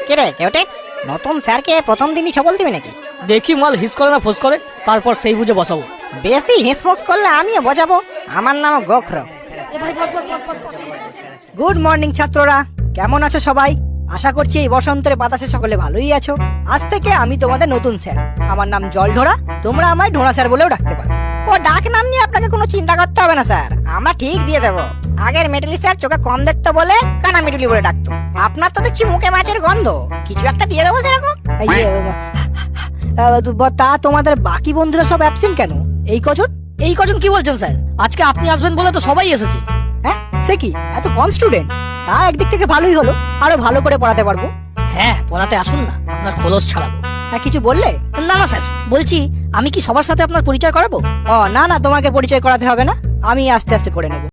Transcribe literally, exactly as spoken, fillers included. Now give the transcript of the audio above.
কিরে কেউটে, নতুন স্যারকে প্রথম দিনই ছবল দিবি নাকি? দেখি মাল হিস করে না ফোস করে, তারপর সেই বুঝে বসাবো। বেশি হিসফোস করলে আমিও বোঝাবো। আমার নাম গোখর। গুড মর্নিং ছাত্ররা, কেমন আছো সবাই? আশা করছি এই বসন্তের বাতাসে সকলে ভালোই আছো। আজ থেকে আমি তোমাদের নতুন স্যার। আমার নাম জলঢোড়া, তোমরা আমায় ঢোড়া স্যার বলেও ডাকতে পারো। ও ডাক নাম নিয়ে আপনাকে কোনো চিন্তা করতে হবে না স্যার, আমরা ঠিক দিয়ে দেবো। আগের মেটালি স্যার চোখে কম দেখতো বলে কানা মেটুলি বলে ডাকতো। আপনার তো দেখছি মুখে মাছের গন্ধ, কিছু একটা দিয়ে দেবো সেরকম। এই যে, আহ, তা তোমাদের বাকি বন্ধুরা সব অ্যাবসেন্ট কেন এই কজন? এই কজন কি বলছেন স্যার? আজকে আপনি আসবেন বলে তো সবাই এসেছে। হ্যাঁ, সে কি এত কম স্টুডেন্ট? তা একদিক থেকে ভালোই হলো, আরো ভালো করে পড়াতে পারবো। হ্যাঁ, পড়াতে আসুন না, আপনার খোলস ছাড়াবো। হ্যাঁ, কিছু বললে? না না স্যার, বলছি আমি কি সবার সাথে আপনার পরিচয় করাবো? ও না না, তোমাকে পরিচয় করাতে হবে না, আমি আস্তে আস্তে করে নেবো।